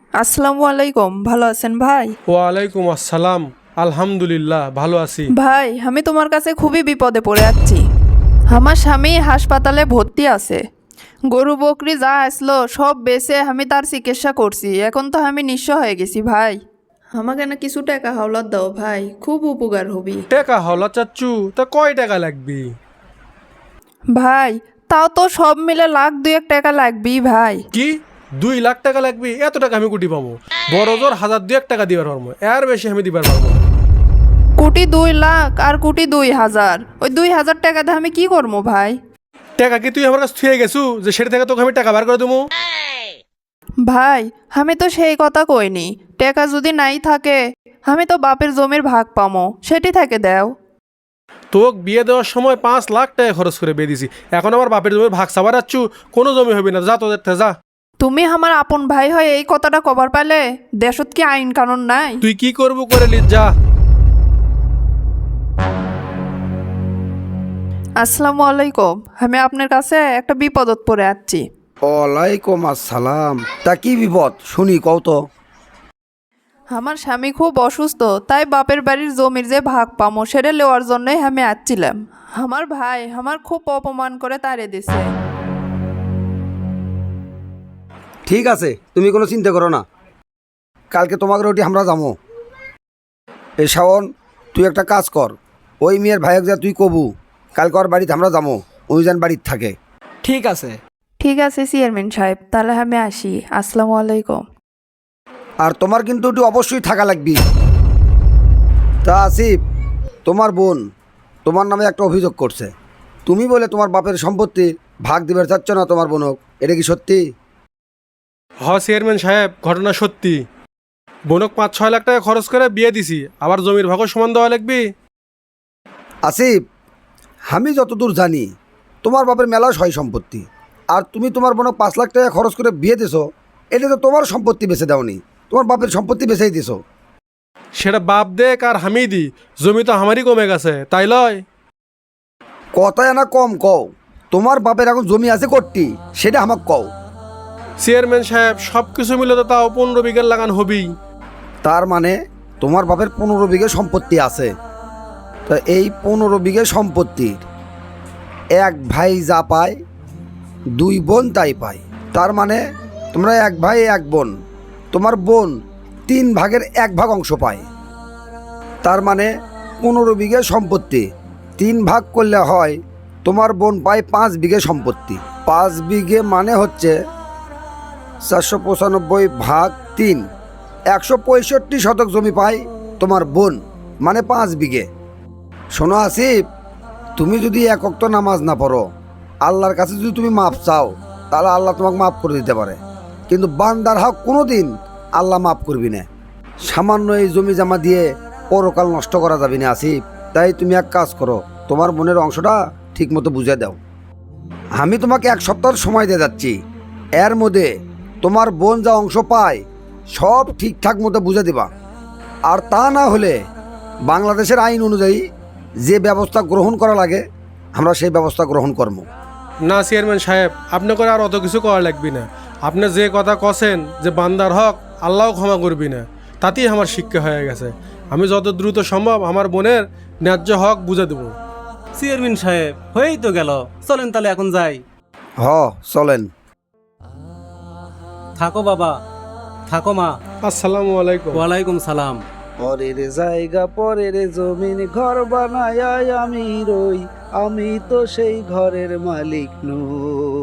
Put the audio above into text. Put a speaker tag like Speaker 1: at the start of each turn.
Speaker 1: আসসালামু আলাইকুম, ভালো আছেন ভাই?
Speaker 2: ওয়ালাইকুম আসসালাম। আলহামদুলিল্লাহ ভালো আছি।
Speaker 1: ভাই, আমি তোমার কাছে খুবই বিপদে পড়ে যাচ্ছি। আমার স্বামী হাসপাতালে ভর্তি আছে। গরু বকরি যা আসলো সব বেচে আমি তার চিকিৎসা করছি। এখন তো আমি নিঃস্ব হয়ে গেছি ভাই। আমাকে না কিছু টাকা হাওলাত দাও ভাই, খুব উপকার হবি।
Speaker 2: টাকা হলা চাচ্ছু, তা কয় টাকা লাগবি?
Speaker 1: ভাই, তাও তো সব মিলে লাখ দুয়েক টাকা লাগবেই ভাই।
Speaker 2: কি 2 লাখ টাকা লাগবি? এত টাকা আমি কুটি পাবো? বড় জোর 1,000-2,000 টাকা দিবার পারবো, এর বেশি আমি দিবার পারবো না।
Speaker 1: কোটি 2 লাখ আর কোটি 2,000, ওই 2,000 টাকা দিয়ে আমি কি করবো ভাই?
Speaker 2: টাকা কি তুই আমার কাছে থুয়ে গেছু যে সেটা থেকে তোকে আমি টাকা বার করে দেবো?
Speaker 1: ভাই, আমি তো সেই কথা কইনি। টাকা যদি নাই থাকে, আমি তো বাপের জমির ভাগ পামো, সেটি থেকে দেও।
Speaker 2: তোকে বিয়ে দেওয়ার সময় 5 লাখ টাকা খরচ করে বিয়ে দিছি, এখন আমার বাপের জমির ভাগ চাবার যাচ্ছু? কোনো জমি হবে না, যা তোদের থেকে যা।
Speaker 1: তুমি আমার আপন ভাই হয়ে এই কথাটা কবার পালে? দেশত কি আইন কানুন নাই?
Speaker 2: তুই কি করবো করে লিস যা।
Speaker 1: আসসালামু আলাইকুম, আমি আপনার কাছে একটা বিপদত পড়ে যাচ্ছি।
Speaker 3: ওয়ালাইকুম আসসালাম। তা কি বিপদ শুনি কও তো।
Speaker 1: আমার স্বামী খুব অসুস্থ, তাই বাপের বাড়ির জমির যে ভাগ পামো সেটা নেওয়ার জন্যই আমি আসছিলাম। আমার ভাই আমার খুব অপমান করে তাড়িয়ে দিছে।
Speaker 3: ঠিক আছে, তুমি কোনো চিন্তা করো না, কালকে তোমাকে রুটি আমরা যাবো। এ শাওন, তুই একটা কাজ কর, ওই মেয়ের ভাইক যা তুই কবু কালকে ওর বাড়িতে আমরা যাবো, ওই যেন বাড়িতে থাকে।
Speaker 4: ঠিক আছে।
Speaker 1: ঠিক আছে চেয়ারম্যান সাহেব, তাহলে আমি আসি। আসসালামু আলাইকুম।
Speaker 3: আর তোমার কিন্তু একটু অবশ্যই থাকা লাগবে। তা আসিফ, তোমার বোন তোমার নামে একটা অভিযোগ করছে, তুমি বলে তোমার বাপের সম্পত্তি ভাগ দিবার চাচ্ছ না তোমার বোনক, এটা কি সত্যি?
Speaker 2: চেয়ারম্যান সাহেব, ঘটনা সত্যি। বোনক 5-6 লাখ টাকা খরচ করে বিয়ে দিছি, আবার জমির ভাগও সমান দেওয়া লাগবে।
Speaker 3: আসিফ, আমি যতদূর জানি তোমার বাপের মেলা সয় সম্পত্তি, আর তুমি তোমার বোনক 5 লাখ টাকা খরচ করে বিয়ে দিছো, এটা তো তোমার সম্পত্তি বেচে দাওনি, তোমার বাপের সম্পত্তি বেচেই দিছো।
Speaker 2: সেটা বাপ দেখ আর আমি দি, জমি তো আমারই কমে গেছে, তাই লয়?
Speaker 3: কথায় না কম কও, তোমার বাপের এখন জমি আছে করতি, সেটা আমাকে কও।
Speaker 2: চেয়ারম্যান সাহেব, সব কিছু মিলে তো তাও 15 বিঘার লাগান হবেই।
Speaker 3: তার মানে তোমার বাপের 15 বিঘে সম্পত্তি আছে। তা এই 15 বিঘে সম্পত্তির এক ভাই যা পায়, 2 বোন তাই পায়। তার মানে তোমরা এক ভাই এক বোন, তোমার বোন 3 ভাগের 1 ভাগ অংশ পায়। তার মানে 15 বিঘে সম্পত্তি 3 ভাগ করলে হয় তোমার বোন পায় 5 বিঘে সম্পত্তি। 5 বিঘে মানে হচ্ছে 495 ভাগ 3, 165 শতক জমি পায় তোমার বোন, মানে 5 বিঘে। শোনো আসিফ, তুমি যদি এক ওয়াক্ত নামাজ না পড়ো, আল্লাহর কাছে যদি তুমি মাপ চাও, তাহলে আল্লাহ তোমাকে মাফ করে দিতে পারে, কিন্তু বান্দার হক কোনো দিন আল্লাহ মাফ করবি না। সামান্য এই জমি জমা দিয়ে পরকাল নষ্ট করা যাবে না আসিফ। তাই তুমি এক কাজ করো, তোমার বোনের অংশটা ঠিক মতো বুঝে দাও। আমি তোমাকে 1 সপ্তাহ সময় দিয়ে যাচ্ছি, এর মধ্যে তোমার বোন যা অংশ পায় সব ঠিকঠাক মতো বুঝে দিবা। আর তা না হলে বাংলাদেশের আইন অনুযায়ী যে ব্যবস্থা গ্রহণ করা লাগে আমরা সেই ব্যবস্থা গ্রহণ করব।
Speaker 2: না চেয়ারম্যান সাহেব, আপনি করে আর অত কিছু করা লাগবে না। আপনি যে কথা কছেন যে বান্দার হক আল্লাহও ক্ষমা করবি না, তাতেই আমার শিক্ষা হয়ে গেছে। আমি যত দ্রুত সম্ভব আমার বোনের ন্যায্য হক বুঝে দেবো।
Speaker 4: চেয়ারম্যান সাহেব, হয়েই তো গেল, চলেন তাহলে এখন যাই।
Speaker 3: চলেন।
Speaker 4: থাকো বাবা, থাকো মা।
Speaker 2: আসসালামু আলাইকুম।
Speaker 4: ওয়ালাইকুম সালাম।
Speaker 5: পরের জায়গা পরের জমিন ঘর বানায় আমি রই, আমি তো সেই ঘরের মালিক নই।